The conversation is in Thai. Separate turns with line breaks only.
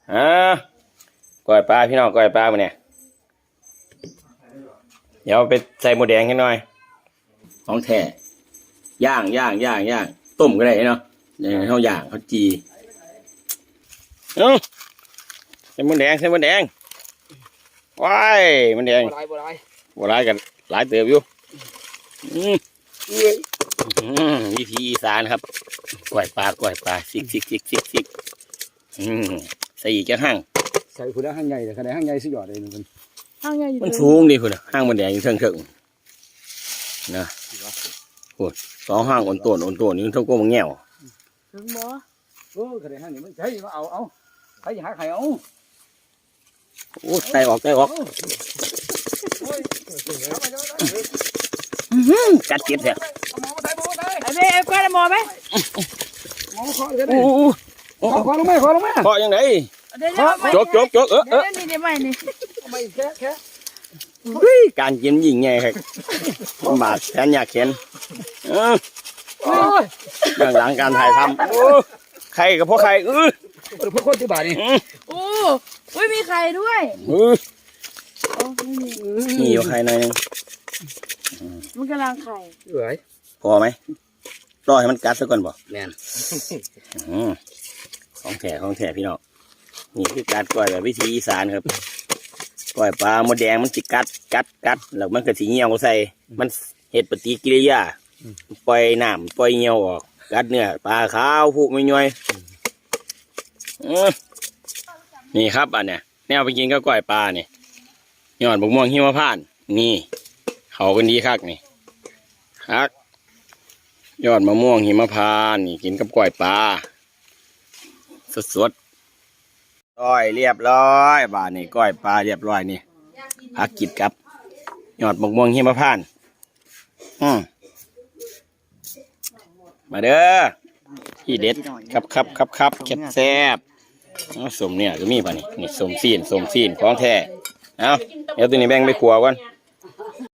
อ่าก้อยปลาพี่น้องก้อยปลามาเนี่ยเดี๋ยวไปใส่หมูแดงให้หน่อยของแท้ย่างต้มก็ได้เนาะเนี่ยเขาย่างเขาจีใส่หมูแดงว้ายมันแดงบัวลายกันหลายเติบอยู่วิธีอีสานครับก้อยปลาซิกใส่อีกแค่ห้าง
ใส่คุณห้างใหญ่แต่ขนาดห้างใหญ่สุดยอดเลยมัน
ห้างใหญ่
มันสูงดิคุณห้างมันแดงอยู่เชิงนะโอ้สองห้างอ่อนตัวนี่เท่ากับมันแง่ว
ถึงบ่
โอ้ขนาดห้างนี่มันใช่มาเอาใครหาไข่เอา
โอ้ไตออกกัดเจ็บแท้
ไอ้เบ้เอาก้อนหมอไหม
หมอขอเลยขอลงมา
ขอยังไงจก
นี่ได้ไหมนี่
ไม่แค่
การกินยิงไงครับบาดแขนอยากเข็นเรื่องหลังการถ่ายทำใครกับพวกใคร
พวกคนที่บาดนี่
โอ้ยมีไข่ด้วย
มีอยู่ไข่หน่อยนึง
มันกำลังไข่
พอไหมรอให้มันกัดซะก่อนบ่
แม่น
ของแท้พี่น้องนี่คือการก้อยแบบวิธีอีสานครับก้อยปลาหมดแดงมันจิกัดแล้วมันก็สีเหี่ยวใส่มันเหตุปฏิกิริยาปล่อยน้ำปล่อยเหี่ยวออกกัดเนื้อปลาขาวผูกไม่ย่อยนี่ครับอันเนี้ยแนวไปกินก็ก้อยปลาเนี่ยยอดบกม่วงหิมพานต์นี่เขากันดีคักนี่คักยอดมะม่วงหิมพานต์นี่กินกับก้อยปลาสดก้อยเรียบร้อยบาทนี่ก้อยปลาเรียบร้อยนี่พักกิดกับยอดบกม่วงหิมพานต์มาเด้อที่เด็ดครับแซ่บสมเนี่ยก็มีป่ะนี่สมซีนของแท้เอาเดี๋ยวตัวนี้แบ่งไปขัวก่อน